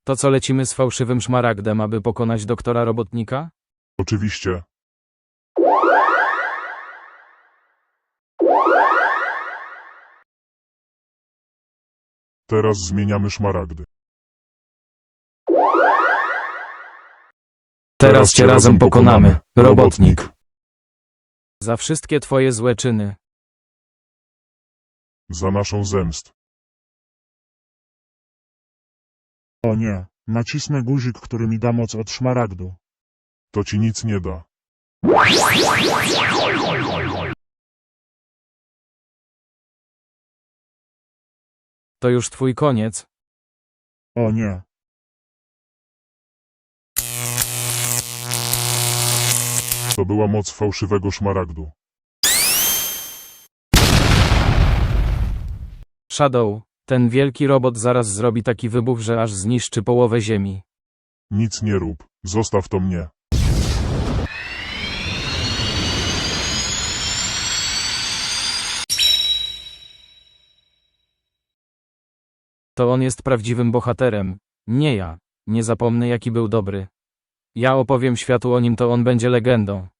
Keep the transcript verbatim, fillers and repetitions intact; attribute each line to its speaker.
Speaker 1: To co, lecimy z fałszywym szmaragdem, aby pokonać doktora Robotnika?
Speaker 2: Oczywiście. Teraz zmieniamy szmaragdy.
Speaker 1: Teraz cię razem pokonamy, Robotnik. Za wszystkie twoje złe czyny.
Speaker 2: Za naszą zemstę.
Speaker 3: O nie, nacisnę guzik, który mi da moc od szmaragdu.
Speaker 2: To ci nic nie da.
Speaker 1: To już twój koniec.
Speaker 3: O nie.
Speaker 2: To była moc fałszywego szmaragdu.
Speaker 1: Shadow, ten wielki robot zaraz zrobi taki wybuch, że aż zniszczy połowę ziemi.
Speaker 2: Nic nie rób. Zostaw to mnie.
Speaker 1: To on jest prawdziwym bohaterem, nie ja. Nie zapomnę, jaki był dobry. Ja opowiem światu o nim, to on będzie legendą.